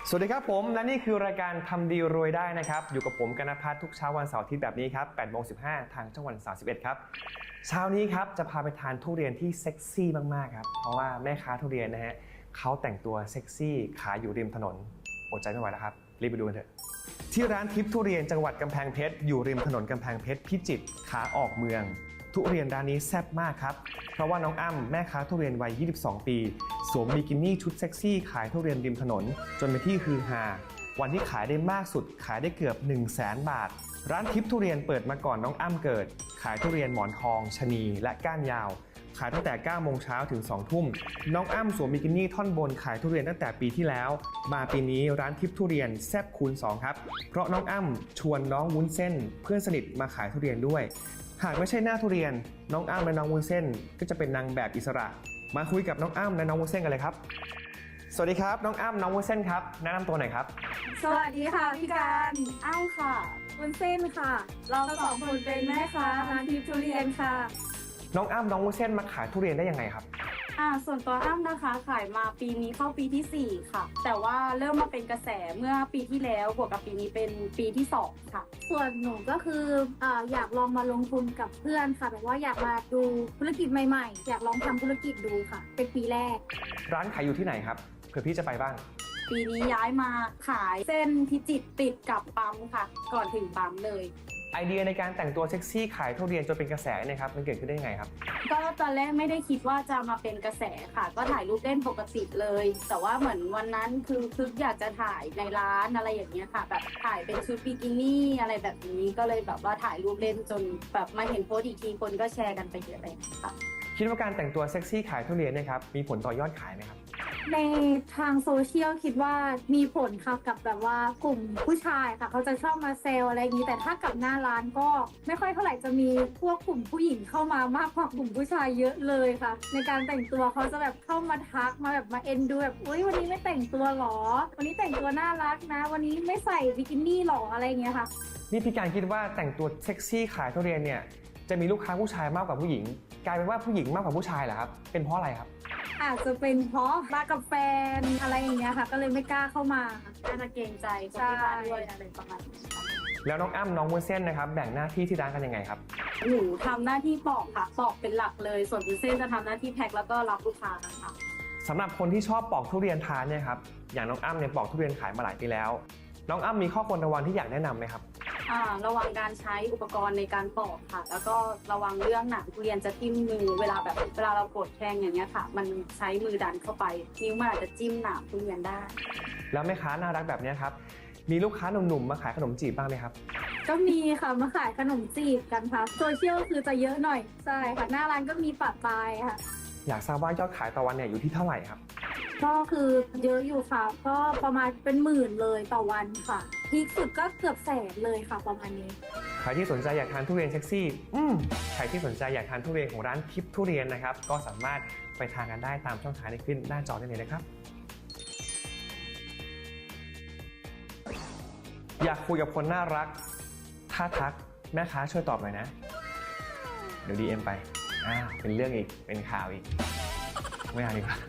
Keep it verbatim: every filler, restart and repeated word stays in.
สวัสดีครับผมและนี่คือรายการทำดีรวยได้นะครับอยู่กับผมกนภัทรทุกเช้าวันเสาร์อาทิตย์แบบนี้ครับแปดโมงสิบห้าทางช่องวันสามสิบเอ็ดครับเช้านี้ครับจะพาไปทานทุเรียนที่เซ็กซี่มากๆครับเพราะว่าแม่ค้าทุเรียนนะฮะเขาแต่งตัวเซ็กซี่ขายอยู่ริมถนนอดใจไม่ไหวแล้วครับรีบไปดูกันเถอะที่ร้านทิพย์ทุเรียนจังหวัดกำแพงเพชรอยู่ริมถนนกำแพงเพชรพิจิตรขาออกเมืองทุเรียนร้านนี้แซ่บมากครับเพราะว่าน้องอ้ำแม่ค้าทุเรียนวัยยี่สิบสองปีสวมบิกินี่ชุดเซ็กซี่ขายทุเรียนริมถนนจนเป็นที่ฮือฮาวันที่ขายได้มากสุดขายได้เกือบ หนึ่งแสน บาทร้านทิพย์ทุเรียนเปิดมาก่อนน้องอ้ำเกิดขายทุเรียนหมอนทองชะนีและก้านยาวขายตั้งแต่เก้าโมงเช้าถึงสองทุ่มน้องอ้ำสวมบิกินี่ท่อนบนขายทุเรียนตั้งแต่ปีที่แล้วมาปีนี้ร้านทิพย์ทุเรียนแซ่บคูณสองครับเพราะน้องอ้ำชวนน้องวุ้นเส้นเพื่อนสนิทมาขายทุเรียนด้วยหากไม่ใช่หน้าทุเรียนน้องอ้ำและน้องวุ้นเส้นก็จะเป็นนางแบบอิสระมาคุยกับน้องอ้ำและน้องวุ้นเส้นกันเลยครับสวัสดีครับน้องอ้ำน้องวุ้นเส้นครับแนะนำตัวหน่อยครับสวัสดีค่ะพี่การอ้าวค่ะวุ้นเส้นค่ะเราสองคนเป็นแม่ค้าร้านทิพย์ทุเรียนค่ะน้องอ้ำน้องวุ้นเส้นมาขายทุเรียนได้ยังไงครับอ่าส่วนตัวอ้ำนะคะขายมาปีนี้เข้าปีที่สี่ค่ะแต่ว่าเริ่มมาเป็นกระแสเมื่อปีที่แล้วบวกกับปีนี้เป็นปีที่สองค่ะส่วนหนูก็คืออ่าอยากลองมาลงทุนกับเพื่อนค่ะแบบว่าอยากมาดูธุรกิจใหม่ๆอยากลองทำธุรกิจดูค่ะเป็นปีแรกร้านขายอยู่ที่ไหนครับเผื่อพี่จะไปบ้างปีนี้ย้ายมาขายเส้นพิจิตรติดกับปั๊มค่ะก่อนถึงปั๊มเลยไอเดียในการแต่งตัวเซ็กซี่ขายทุเรียนจนเป็นกระแสเนี่ยครับมันเกิดขึ้นได้ยังไงครับก็ตอนแรกไม่ได้คิดว่าจะมาเป็นกระแสค่ะก็ถ่ายรูปเล่นปกติเลยแต่ว่าเหมือนวันนั้นคือคืออยากจะถ่ายในร้านอะไรอย่างเงี้ยค่ะแบบถ่ายเป็นชุดบิกินี่อะไรแบบนี้ก็เลยแบบว่าถ่ายรูปเล่นจนแบบมาเห็นโพสต์อีกทีคนก็แชร์กันไปเยอะเลยค่ะคิดว่าการแต่งตัวเซ็กซี่ขายทุเรียนเนี่ยครับมีผลต่อยอดขายไหมครับในทางโซเชียลคิดว่ามีผลค่ะกับแบบว่ากลุ่มผู้ชายค่ะเขาจะชอบมาเซลอะไรอย่างนี้แต่ถ้ากับหน้าร้านก็ไม่ค่อยเท่าไหร่จะมีพวกกลุ่มผู้หญิงเข้ามามากกว่ากลุ่มผู้ชายเยอะเลยค่ะในการแต่งตัวเขาจะแบบเข้ามาทักมาแบบมาเอ็นดูแบบอุ้ยวันนี้ไม่แต่งตัวหรอวันนี้แต่งตัวน่ารักนะวันนี้ไม่ใส่บิกินี่หรออะไรอย่างเงี้ยค่ะนี่พี่การคิดว่าแต่งตัวเซ็กซี่ขายทุเรียนเนี่ยจะมีลูกค้าผู้ชายมากกว่าผู้หญิงกลายเป็นว่าผู้หญิงมากกว่าผู้ชายเหรอครับเป็นเพราะอะไรครับอาจจะเป็นเพราะมากับแฟนอะไรอย่างเงี้ยค่ะก็เลยไม่กล้าเข้ามาน่าจะเกรงใจคนที่บ้านด้วยอะไรประมาณนี้แล้วน้องอ้ำน้องวุ้นเส้นนะครับแบ่งหน้าที่ที่ร้านกันยังไงครับหนูทำหน้าที่ปอกค่ะปอกเป็นหลักเลยส่วนวุ้นเส้นจะทำหน้าที่แพ็คแล้วก็รับลูกค้านะคะสำหรับคนที่ชอบปอกทุเรียนทานเนี่ยครับอย่างน้องอ้ำเนี่ยปอกทุเรียนขายมาหลายปีแล้วน้องอ้ำมีข้อควรระวังที่อยากแนะนำไหมครับอ่าระวังการใช้อุปกรณ์ในการปอกค่ะแล้วก็ระวังเรื่องหนังทุเรียนจะทิ่มมือเวลาแบบเวลาเรากดแทงอย่างเงี้ยค่ะมันใช้มือดันเข้าไปนิ้วมันอาจจะจิ้มหนามทุเรียนได้แล้วแม่ค้าน่ารักแบบนี้ครับมีลูกค้าหนุ่มๆมาขายขนมจีบบ้างไหมครับก็มีค่ะมาขายขนมจีบกันค่ะโซเชียลคือจะเยอะหน่อยใช่ค่ะหน้าร้านก็มีปะปายค่ะอยากทราบว่ายอดขายต่อวันเนี่ยอยู่ที่เท่าไหร่ครับก็คือเยอะอยู่ค่ะก็ประมาณเป็นหมื่นเลยต่อวันค่ะพีคสุดก็เกือบแสนเลยค่ะประมาณนี้ใครที่สนใจอยากทานทุเรียนเซ็กซี่อืมใครที่สนใจอยากทานทุเรียนของร้านทิพย์ทุเรียนนะครับก็สามารถไปทานกันได้ตามช่องทางที่ขึ้นหน้าจอได้เลยนะครับอยากคุยกับคนน่ารักถ้าทักแม่ค้าช่วยตอบหน่อยนะเดี๋ยว ดี เอ็ม ไปอ่าเป็นเรื่องอีกเป็นข่าวอีกไม่เอาดีกว่า